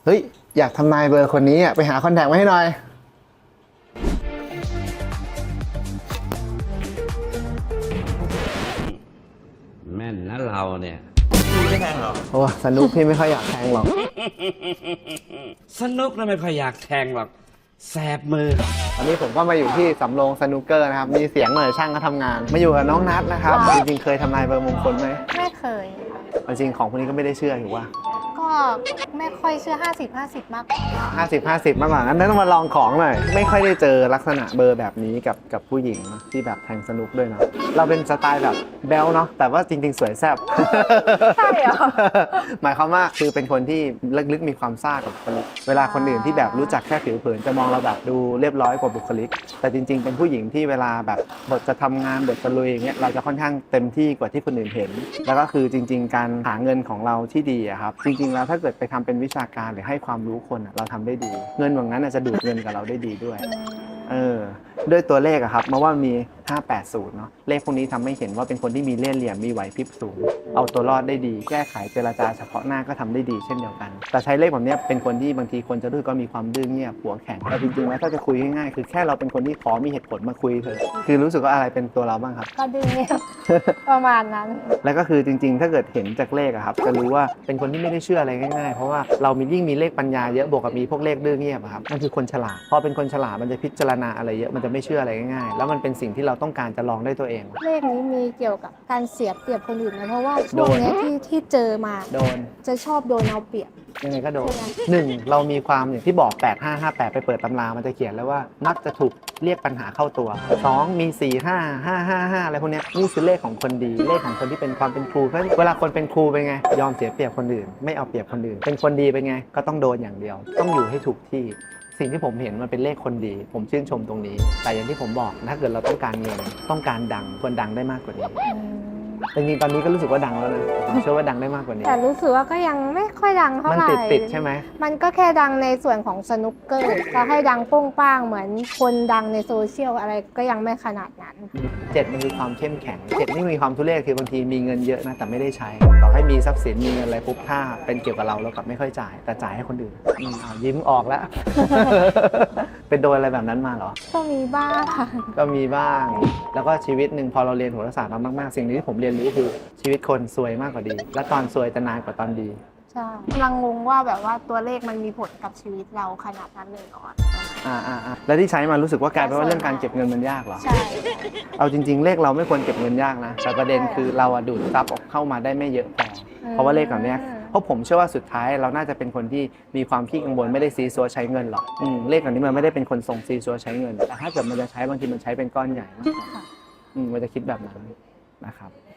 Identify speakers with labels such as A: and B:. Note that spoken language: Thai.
A: เฮ้ยอยากทำนายเบอร์คนนี้อ่ะไปหาคอนแทคมาให้หน่อย
B: แม่นนะเราเนี่ย
C: พี่ไม่แทงหรอ
A: โอ้สนุกพี่ไม่ค่อยอยากแทงหรอก
B: สนุกนะไม่ค่อยอยากแทงหรอกแสบมือ
A: วันนี้ผมก็มาอยู่ที่สำโรงสนุกเกอร์นะครับมีเสียงหน่อยช่างก็ทำงานมาอยู่กับน้องนัทนะครับจริงๆเคยทำนายเบอร์มงคลไหม
D: ไม่เคยค่ะ
A: จริงๆของพวกนี้ก็ไม่ได้เชื่ออยู่ว่า
D: ก็ไม่ค่อยเชื่อ 50-50 มากกว่า
A: 50-50 มากกว่างั้นต้องมาลองของหน่อยไม่ค่อยได้เจอลักษณะเบอร์แบบนี้กับผู้หญิงนะที่แบบแทงสนุกด้วยเนาะเราเป็นสไตล์แบบแบลเนาะแต่ว่าจริงๆสวยแซ่บ
D: ใช่เหรอ
A: หมายความว่าคือเป็นคนที่ลึกๆมีความซ่ากับบุคลิกเวลาคนอื่นที่แบบรู้จักแค่ผิวเผินจะมองเราแบบดูเรียบร้อยกว่าบุคลิกแต่จริงๆเป็นผู้หญิงที่เวลาแบบบทจะทำงานบทจะลุยอย่างเงี้ยเราจะค่อนข้างเต็มที่กว่าที่คนอื่นเห็นแล้วก็คือจริงๆการหาเงินของเราที่ดีอะครับจริงๆแล้วถ้าเกิดไปทำเป็นวิชาการหรือให้ความรู้คนอะเราทำได้ดีเงินแบบนั้นจะดูดเงินกับเราได้ดีด้วยด้วยตัวเลขอะครับมาว่ามี 580 เนาะเลขพวกนี้ทำให้เห็นว่าเป็นคนที่มีเล่ห์เหลี่ยมมีไหวพริบสูงเอาตัวรอดได้ดีแก้ไขเจรจาเฉพาะหน้าก็ทำได้ดีเช่นเดียวกันแต่ใช้เลขแบบนี้เป็นคนที่บางทีคนจะรู้ก็มีความดื้อเงียบหัวแข็งแต่จริงๆแล้วถ้าจะคุยง่ายๆคือแค่เราเป็นคนที่ขอมีเหตุผลมาคุยเถอะคือรู้สึกว่าอะไรเป็นตัวเราบ้างครับ
D: ก็ดึงเนี่ย ประมาณนั้น
A: แล้วก็คือจริงๆ ถ้าเกิดเห็นจากเลขอะครับจะรู้ว่าเป็นคนที่ไม่ได้เชื่ออะไรง่ายๆ เพราะว่าเรามียิ่งมีเลขปัญญาเยอะบวกกับมีพวกเลขดื้อเงียบอะครับมันคือคนฉลาดพอเป็นคนฉลาดมันจะพิจารณาอะไรเยอะมันจะไม่เชื่ออะไรง่ายๆแล้วมันเป็นสิ่งที่เราต้องการจะลองได้ตัวเอง
D: เลขนี้มีเกี่ยวกับการเสียเปรียบคนอื่นนะเพราะว่าช่วงเนี้ยที่เจอมา
A: โดน
D: จะชอบโดนเอาเปรียบ
A: ยังไงก็โดน
D: ใช่ไหม
A: หนึ่งเรามีความอย่างที่บอก8558ไปเปิดตำรามันจะเขียนแล้วว่ามักจะถูกเรียกปัญหาเข้าตัว2มี45 555อะไรพวกเนี้ยนี่คือเลขของคนดีเลขของคนที่เป็นความเป็นครูเพราะเวลาคนเป็นครูเป็นไงยอมเสียเปรียบคนอื่นไม่เอาเปรียบคนอื่นเป็นคนดีเป็นไงก็ต้องโดนอย่างเดียว ต้องอยู่ให้ถูกที่สิ่งที่ผมเห็นมันเป็นเลขคนดี ผมชื่นชมตรงนี้ แต่อย่างที่ผมบอกถ้าเกิดเราต้องการเงินต้องการดังควรดังได้มากกว่านี้
D: อืม
A: แต่จริงๆตอนนี้ก็รู้สึกว่าดังแล้วนะผมเชื่อว่าดังได้มากกว่านี้
D: แต่รู้สึกว่าก็ยังไม่ค่อยดังเท่า
A: มัน
D: ไหร่
A: ติดใช่ไหม
D: มันก็แค่ดังในส่วนของสนุกเกอร์จะให้ดังโป้งป้างเหมือนคนดังในโซเชียลอะไรก็ยังไม่ขนาดนั้น
A: 7มันคือความเข้มแข็ง7นี่มีความทุเรศคือบางทีมีเงินเยอะนะแต่ไม่ได้ใช้ต่อให้มีทรัพย์สินมีเงินอะไรปุ๊บถ้าเป็นเกี่ยวกับเรากลับไม่ค่อยจ่ายแต่จ่ายให้คนอื่นยิ้มออกแล้ว เป็นโดนอะไรแบบนั้นมาเหรอ
D: ก็มีบ้างค่ะ
A: ก็มีบ้างแล้วก็ชีวิตหนึ่งพอเราเรียนโหราศาสตร์มามากๆสิ่งหนึงที่ผมเรียนรู้คือชีวิตคนซวยมากกว่าดี และตอนซวยจะนานกว่าตอนดี
D: ใช่กำลังงงว่าแบบว่าตัวเลขมันมีผลกับชีวิตเราขนาดนั้นเลยเหรอ
A: แล้วที่ใช้มารู้สึกว่ากลายเป็นว่าเรื่องการเก็บเงินมันยากเหรอ
D: ใช่
A: เอาจริงๆ เลขเราไม่ควรเก็บเงินยากนะแต่ประเด็นคือเราอะดูดทรัพย์ออกเข้ามาได้ไม่เยอะพอเพราะว่าเลขแบบเนี้ยเพราะผมเชื่อว่าสุดท้ายเราน่าจะเป็นคนที่มีความขี้กังวลไม่ได้ซีซัวใช้เงินหรอกเลขแบบนี้มันไม่ได้เป็นคนส่งซีซัวใช้เงินแต่ถ้าเกิดมันจะใช้บางทีมันใช้เป็นก้อนใหญ่มากกว่ามันจะคิดแบบนั้นนะครับ